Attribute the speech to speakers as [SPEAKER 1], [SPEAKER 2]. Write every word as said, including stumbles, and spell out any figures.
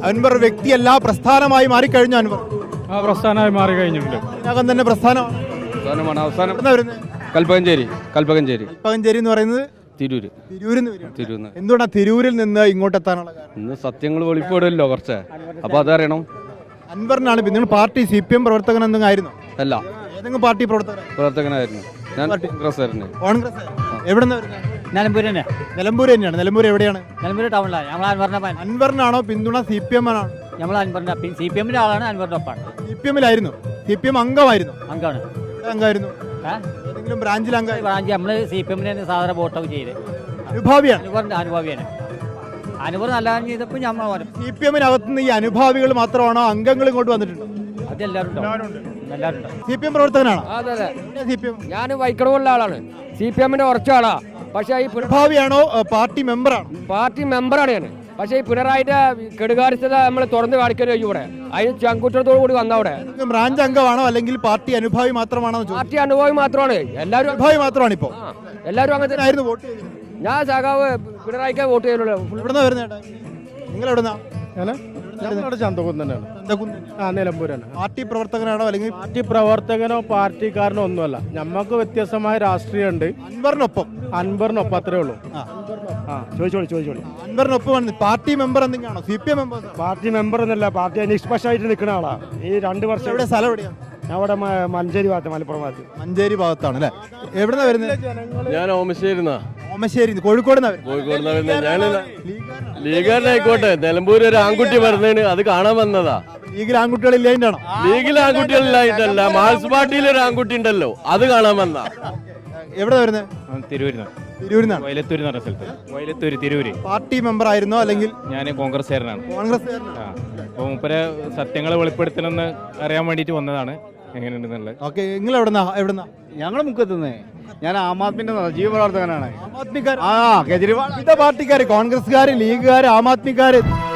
[SPEAKER 1] അൻവർ വ്യക്തിയല്ല, പ്രസ്ഥാനമായി മാറിക്കഴിഞ്ഞു. അൻവർ
[SPEAKER 2] ആ പ്രസ്ഥാനമായി മാറി കഴിഞ്ഞിട്ടുണ്ട്.
[SPEAKER 1] ഇതിനകം തന്നെ പ്രസ്ഥാനമാണ്.
[SPEAKER 2] പ്രസ്ഥാനമാണ്. അവസാനം
[SPEAKER 1] എവിടുന്നാ വരുന്നത്?
[SPEAKER 2] കൽപ്പകഞ്ചേരി. കൽപ്പകഞ്ചേരി
[SPEAKER 1] കൽപ്പകഞ്ചേരി എന്ന് പറയുന്നത്
[SPEAKER 2] തിരൂര്.
[SPEAKER 1] തിരൂരിൽ നിന്ന് വരും.
[SPEAKER 2] തിരൂര്.
[SPEAKER 1] എന്തുകൊണ്ടാണ് തിരൂരിൽ നിന്ന് ഇങ്ങോട്ട് എത്താനുള്ള കാരണം?
[SPEAKER 2] ഇന്ന് സത്യങ്ങൾ വെളിപ്പെടുമല്ലോ കുറച്ച്, അപ്പൊ അതറിയണം.
[SPEAKER 1] അൻവറിനാണ്. നിങ്ങൾ പാർട്ടി സി പി എം പ്രവർത്തകൻ എന്തെങ്കിലും ആയിരുന്നു?
[SPEAKER 2] അല്ല,
[SPEAKER 1] ഏതെങ്കിലും പാർട്ടി പ്രവർത്തകൻ?
[SPEAKER 2] പ്രവർത്തകനായിരുന്നു ഞാൻ. കോൺഗ്രസ് ആയിരുന്നു.
[SPEAKER 1] കോൺഗ്രസ്. എവിടെന്നാ വരുന്നത്?
[SPEAKER 3] നിലമ്പൂർ തന്നെ.
[SPEAKER 1] നിലമ്പൂർ തന്നെയാണ്. നിലമ്പൂർ എവിടെയാണ്?
[SPEAKER 3] നിലമ്പൂർ ടൗണിലാണ്. നമ്മൾ അൻവറിന്റെ
[SPEAKER 1] അൻവറിനാണോ പിന്തുണ സി പി എം ആണോ?
[SPEAKER 3] നമ്മൾ അൻവറിന്റെ സി പി എമ്മിന്റെ ആളാണ്. അൻവറിന്റെ ഒപ്പാണ്.
[SPEAKER 1] സി പി എമ്മിലായിരുന്നു. സി പി എം അംഗമായിരുന്നു.
[SPEAKER 3] അംഗമാണ്.
[SPEAKER 1] അംഗമായിരുന്നു. ഏതെങ്കിലും ബ്രാഞ്ചിൽ അംഗം?
[SPEAKER 3] ബ്രാഞ്ച് നമ്മള് സി പി എമ്മിന് സാധാരണ വോട്ടൊക്കെ ചെയ്ത്
[SPEAKER 1] അനുഭാവിയാണ്.
[SPEAKER 3] അനുവറിന്റെ അനുഭാവിയാണ്. അനുവർ നല്ല ചെയ്തപ്പോൾ നമ്മൾ
[SPEAKER 1] സി പി എമ്മിനകത്തുനിന്ന് ഈ അനുഭാവികൾ മാത്രമാണോ അംഗങ്ങൾ ഇങ്ങോട്ട് വന്നിട്ടുണ്ട്?
[SPEAKER 3] അതെല്ലാവരും എല്ലാവരും
[SPEAKER 1] സി പി എം പ്രവർത്തകനാണോ?
[SPEAKER 4] അതെ അതെ.
[SPEAKER 1] സി പി എം
[SPEAKER 4] ഞാൻ വൈക്കടവുള്ള ആളാണ്. സി പി എമ്മിന്റെ ഉറച്ച ആളാ. പക്ഷേ ഈ
[SPEAKER 1] അനുഭാവിയാണോ പാർട്ടി മെമ്പറാണോ?
[SPEAKER 4] പാർട്ടി മെമ്പറാണ് ഞാൻ. പക്ഷേ ഈ പിണറായിന്റെ കെടുകാര്യസ്ഥത നമ്മൾ തുറന്നു കാണിക്കലോ ഇവിടെ. അതിന് ചങ്കുറ്റത്തോടു കൂടി വന്ന അവിടെ
[SPEAKER 1] ബ്രാഞ്ച് അംഗമാണോ അല്ലെങ്കിൽ പാർട്ടി അനുഭാവി മാത്രമാണോ?
[SPEAKER 4] പാർട്ടി അനുഭവം മാത്രമാണ്. എല്ലാവരും
[SPEAKER 1] അനുഭാവി മാത്രമാണ്. ഇപ്പോ
[SPEAKER 4] എല്ലാവരും അങ്ങനെ തന്നെ
[SPEAKER 1] ആയിരുന്നു വോട്ട് ചെയ്തത്.
[SPEAKER 4] ഞാൻ സഖാവ് പിണറായിക്ക് വോട്ട് ചെയ്യുള്ളൂ.
[SPEAKER 1] എവിടുന്നാ വരുന്നത്? നിങ്ങൾ എവിടുന്നാ?
[SPEAKER 5] ചന്തകുന്ന് തന്നെയാണ്. ആ നിലമ്പൂരാണ്.
[SPEAKER 1] പാർട്ടി പ്രവർത്തകനാണോ അല്ലെങ്കിൽ
[SPEAKER 5] പാർട്ടി പ്രവർത്തകനോ പാർട്ടിക്കാരനോ ഒന്നുമല്ല. ഞമ്മക്ക് വ്യത്യസ്തമായ രാഷ്ട്രീയമുണ്ട്.
[SPEAKER 1] അൻവറിനൊപ്പം?
[SPEAKER 5] അൻവറിനൊപ്പം അത്രേ ഉള്ളൂ. ആ ചോദിച്ചോളി ചോദിച്ചോളി
[SPEAKER 1] അൻവറിനൊപ്പം പാർട്ടി മെമ്പർ എന്തെങ്കിലാണോ? C P M member?
[SPEAKER 5] Party member എന്നല്ല, പാർട്ടി നിഷ്പക്ഷമായിട്ട് നിൽക്കുന്ന ആളാ. ഈ രണ്ട് വർഷം
[SPEAKER 1] എവിടെ സ്ഥലം? എവിടെയാണ്?
[SPEAKER 5] ഞാൻ അവിടെ മഞ്ചേരി ഭാഗത്ത്, മലപ്പുറം ഭാഗത്ത്.
[SPEAKER 1] മഞ്ചേരി ഭാഗത്താണ് അല്ലേ? എവിടുന്നാ വരുന്നത്?
[SPEAKER 6] ഞാൻ ഓമശ്ശേരി.
[SPEAKER 1] ഓമശ്ശേരി. കോഴിക്കോട്.
[SPEAKER 6] കോഴിക്കോട് ഞാൻ ലീഗാരനായിക്കോട്ടെ. നിലമ്പൂർ ഒരു ആൺകുട്ടി പറഞ്ഞതിന് അത് കാണാൻ വന്നതാ.
[SPEAKER 1] ലീഗിൽ ആൺകുട്ടികളില്ലായിട്ടാണോ?
[SPEAKER 6] ലീഗിൽ ആൺകുട്ടികളിലായിട്ടല്ല, മാർക്സ് പാർട്ടിയിൽ ഒരു ആൺകുട്ടി ഉണ്ടല്ലോ, അത് കാണാൻ വന്ന.
[SPEAKER 1] എവിടെ വരുന്നത്?
[SPEAKER 2] തിരൂരിന്ന്.
[SPEAKER 1] തിരൂരിന്നാണ്.
[SPEAKER 2] വയലത്തൂര് എന്ന് പറഞ്ഞ സ്ഥലത്ത്. വയലത്തൂര്, തിരൂര്.
[SPEAKER 1] പാർട്ടി മെമ്പർ ആയിരുന്നോ അല്ലെങ്കിൽ?
[SPEAKER 2] ഞാൻ കോൺഗ്രസ്സുകാരനാണ്.
[SPEAKER 1] കോൺഗ്രസ്.
[SPEAKER 2] അപ്പോൾ മൂപ്പരെ സത്യങ്ങൾ വെളിപ്പെടുത്തണമെന്ന് അറിയാൻ വേണ്ടിയിട്ട് വന്നതാണ്. എങ്ങനെയുണ്ടെന്നുള്ളത്.
[SPEAKER 1] ഓക്കെ. നിങ്ങൾ എവിടുന്നാ? എവിടുന്നാ?
[SPEAKER 5] ഞങ്ങൾ മുക്കത്തുനിന്ന്. ഞാൻ ആം ആദ്മിന്റെ ജീവ പ്രവർത്തകനാണ്.
[SPEAKER 1] ആം ആദ്മിക്കാർ.
[SPEAKER 5] ആ കേജ്രിവാൾ.
[SPEAKER 1] വിവിധ പാർട്ടിക്കാര്, കോൺഗ്രസ്സുകാര്, ലീഗുകാര്, ആം ആദ്മിക്കാര്.